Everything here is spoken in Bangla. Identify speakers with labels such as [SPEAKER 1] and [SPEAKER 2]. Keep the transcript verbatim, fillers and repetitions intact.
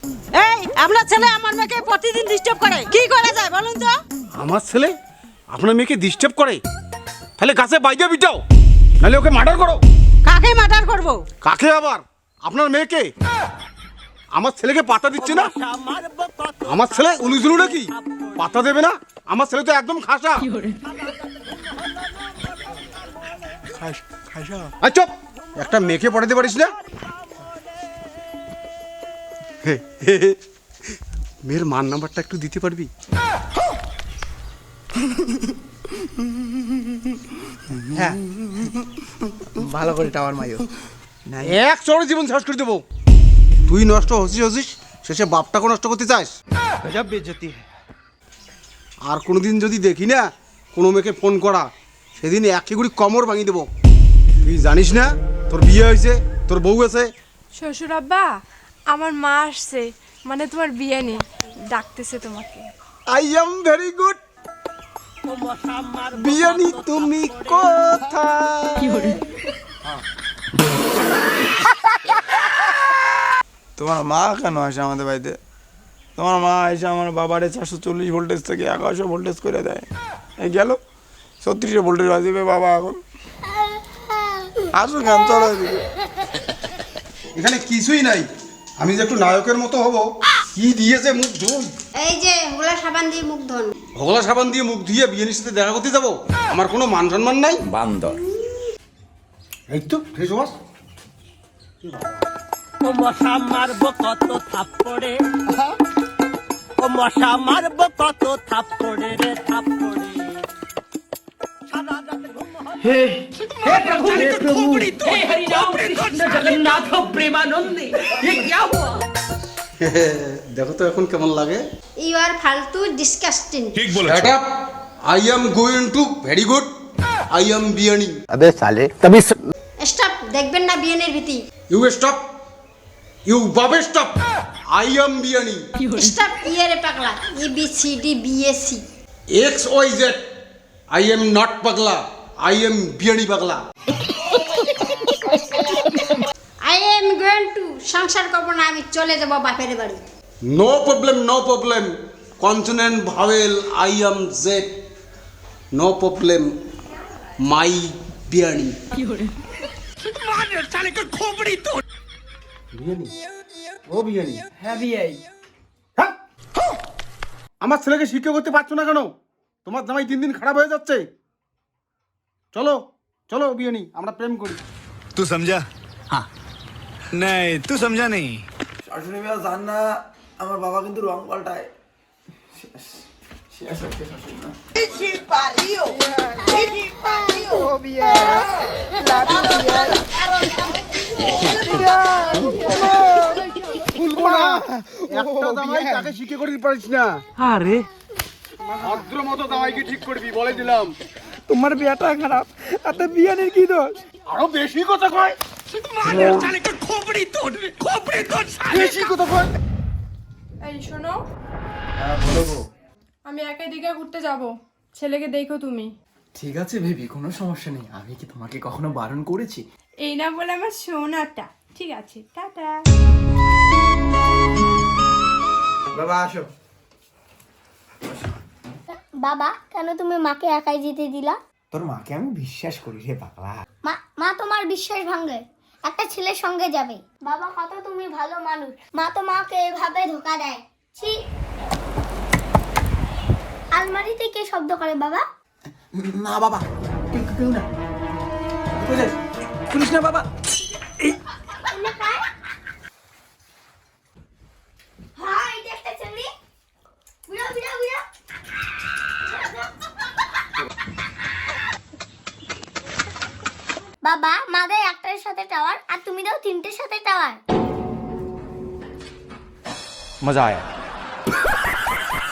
[SPEAKER 1] এই আপনার ছেলে আমার মেয়েকে প্রতিদিন ডিস্টার্ব করে, কি করা যায় বলুন তো?
[SPEAKER 2] আমার ছেলে আপনার মেয়েকে ডিস্টার্ব করে? তাহলে গাছে বাইরে বিটাও, নাহলে ওকে মার্ডার করো।
[SPEAKER 1] কাকে মার্ডার করব?
[SPEAKER 2] কাকে আবার? আপনার মেয়েকে। আমার ছেলেকে পাতা দিচ্ছে না। আমার ছেলে উলুজুলু নাকি পাতা দেবে না? আমার ছেলে তো একদম খাসা। আচ্ছা একটা মেয়েকে পড়াতে পারিস না? মেয়ের মান নাম্বারটা একটু দিতে পারবি?
[SPEAKER 3] হ্যাঁ ভালো করে টাওয়ার মাইও
[SPEAKER 2] এক চড়ে জীবন শেষ করে দেবো। তুই নষ্ট হচ্ছিস হচ্ছিস শেষে বাপটাকে নষ্ট করতে চাস।
[SPEAKER 3] গজব বেইজ্জতি।
[SPEAKER 2] আর কোনোদিন যদি দেখি না কোনো মেয়েকে ফোন করা, সেদিন একে গুড়ি কমর ভাঙিয়ে দেবো। তুই জানিস না তোর বিয়ে হয়েছে, তোর বউ আছে?
[SPEAKER 4] শ্বশুর আব্বা, আমার মা আসছে, মানে তোমার বিয়ে নেই, ডাকতেছে তোমাকে।
[SPEAKER 2] I am very good. বিয়ানি তুমি কোথায়?
[SPEAKER 5] তোমার মা কেন আসে আমাদের বাড়িতে? তোমার মা এসে আমার বাবারে চারশো চল্লিশ ভোল্টেজ থেকে এগারোশো ভোল্টেজ করে দেয়। এই গেল ছত্রিশশো ভোল্টেজ বাজিবে বাবা এখন। আসো কেন, চলো এদিকে।
[SPEAKER 2] এখানে কিছুই নাই, আমি যে একটু নায়কের মতো হব। কি দিয়েছে মুখ ধুন?
[SPEAKER 6] এই যে হোগলা সাবান দিয়ে মুখ ধোন।
[SPEAKER 2] ভগলা সাবান দিয়ে মুখ ধুয়ে বিয়ানির সাথে দেখা করতে যাবো? আমার কোনো মান সম্মান নাই।
[SPEAKER 3] বান্দর।
[SPEAKER 2] এই তো ফ্রেশ হওয়াস।
[SPEAKER 7] ও মশা মারবো কত থাপ্পড়ে, ও মশা মারবো কত থাপ্পড়ে রে থাপ্পড়ে। সারা রাত ঘুম হয়।
[SPEAKER 8] हे हे प्रभु हे प्रभु हे हरि राम कृष्ण जगन्नाथ प्रेमानंदी, ये क्या हुआ?
[SPEAKER 2] দেখো তো এখন কেমন লাগে।
[SPEAKER 6] ইউ আর ফালতু disgusting.
[SPEAKER 2] Shut up! I am going to very good. I am বিয়ানি।
[SPEAKER 3] अबे साले तभी
[SPEAKER 6] স্টপ, দেখবেন না বিয়েনের ভীতি।
[SPEAKER 2] You stop. You বাবে stop. I am বিয়ানি।
[SPEAKER 6] স্টপ ইয়ারে পাগলা। A B C D B S C.
[SPEAKER 2] X Y Z. I am not পাগলা। I am বিয়ানি পাগলা।
[SPEAKER 6] আই এম গোইং টু সংসার করব না, আমি চলে যাব বাপের বাড়ি।
[SPEAKER 2] No problem, no problem. Consonant, vowel, I am Z. No problem. My বিয়ানি। বিয়ানি? ও বিয়ানি?
[SPEAKER 8] है भी आई।
[SPEAKER 2] হ্যাঁ? আমার ছেলেকে শিক্ষা করতে পারছো না কেন? তোমার জামাই দিন দিন খারাপ হয়ে যাচ্ছে। চলো চলো বিয়ানি, আমরা প্রেম করি।
[SPEAKER 9] तू समझा? हाँ नहीं तू समझा नहीं।
[SPEAKER 5] শাশুড়ি মেয়ে জান না আমার বাবা কিন্তু রং পাল্টায়। শেষ শেষ হচ্ছে শাশুড়ি মা।
[SPEAKER 2] ভুলবো না, একটা জামাই তাকে শিক্ষা করতে পারিস না।
[SPEAKER 8] अरे
[SPEAKER 2] ভদ্র মতো জামাইকে ঠিক করবি বলে দিলাম।
[SPEAKER 5] তোমার বিয়েটা খারাপ, তাতে বিয়ানের কি দোষ?
[SPEAKER 2] আরো বেশি কথা কয়, বেশি কথা কয়।
[SPEAKER 4] এই শোনো,
[SPEAKER 3] হ্যাঁ বলবো।
[SPEAKER 4] আমি একাই দিঘা ঘুরতে যাব, ছেলেকে দেখো তুমি।
[SPEAKER 3] ঠিক আছে বেবি, কোনো সমস্যা নেই। আমি কি তোমাকে কখনো বারণ করেছি?
[SPEAKER 4] এই না বলে আমার সোনাটা। ঠিক আছে, টাটা।
[SPEAKER 5] বাবা আসো।
[SPEAKER 10] বাবা, কেন তুমি মাকে একাই যেতে দিলা?
[SPEAKER 3] তোর মাকে আমি বিশ্বাস করি রে পাগলা।
[SPEAKER 10] মা মা তোমার বিশ্বাস ভাঙে, একটা ছেলের সঙ্গে যাবে। বাবা কত তুমি ভালো মানুষ, মা তো মাকে এভাবে ধোকা দেয়। ছি। আলমারিতে কে শব্দ করে বাবা?
[SPEAKER 3] না বাবা, কেউ কেউ না। পুলিশ না বাবা।
[SPEAKER 10] এনে কার? হ্যাঁ, এটা একটা ছেলে। বুড়া বুড়া বুড়া। বাবা, মা দেয় একটার সাথে টাওয়ার আর তুমি দাও তিনটের সাথে টাওয়ার।
[SPEAKER 3] मजा आया।